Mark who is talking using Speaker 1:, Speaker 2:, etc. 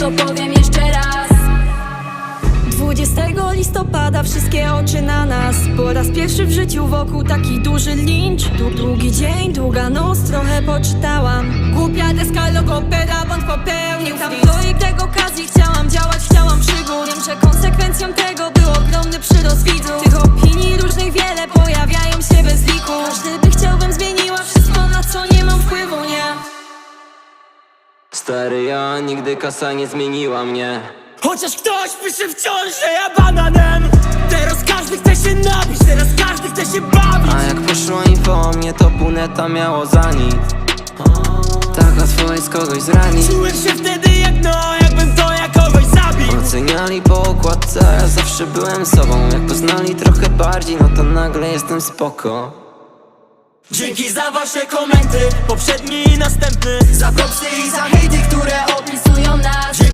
Speaker 1: to powiem jeszcze raz.
Speaker 2: 20 listopada wszystkie oczy na nas. Po raz pierwszy w życiu wokół taki duży lincz. Długi dzień, długa noc, trochę poczytałam.
Speaker 1: Głupia deska, logopeda, błąd popełnił.
Speaker 2: Tam projekt okazji, chciałam działać, chciałam przygód. Wiem, że konsekwencją tego był ogromny przyrost widzów. Tych opinii różnych wiele pojawiają się bez liku. Każdy by chciał, bym zmieniła wszystko, na co nie mam wpływu, nie?
Speaker 3: Stary, ja nigdy kasa nie zmieniła mnie.
Speaker 4: Chociaż ktoś pisze wciąż, że ja bananem. Teraz każdy chce się nabić, teraz każdy chce się bawić.
Speaker 3: A jak poszło info o mnie, to pół neta miało za nic. Tak łatwo jest kogoś zranić.
Speaker 4: Czułem się wtedy jak jakbym to ja kogoś zabił.
Speaker 3: Oceniali po okładce, a ja zawsze byłem sobą. Jak poznali trochę bardziej, no to nagle jestem spoko.
Speaker 4: Dzięki za wasze komenty, poprzedni i następny. Za propsy i za hejty, które opisują nas.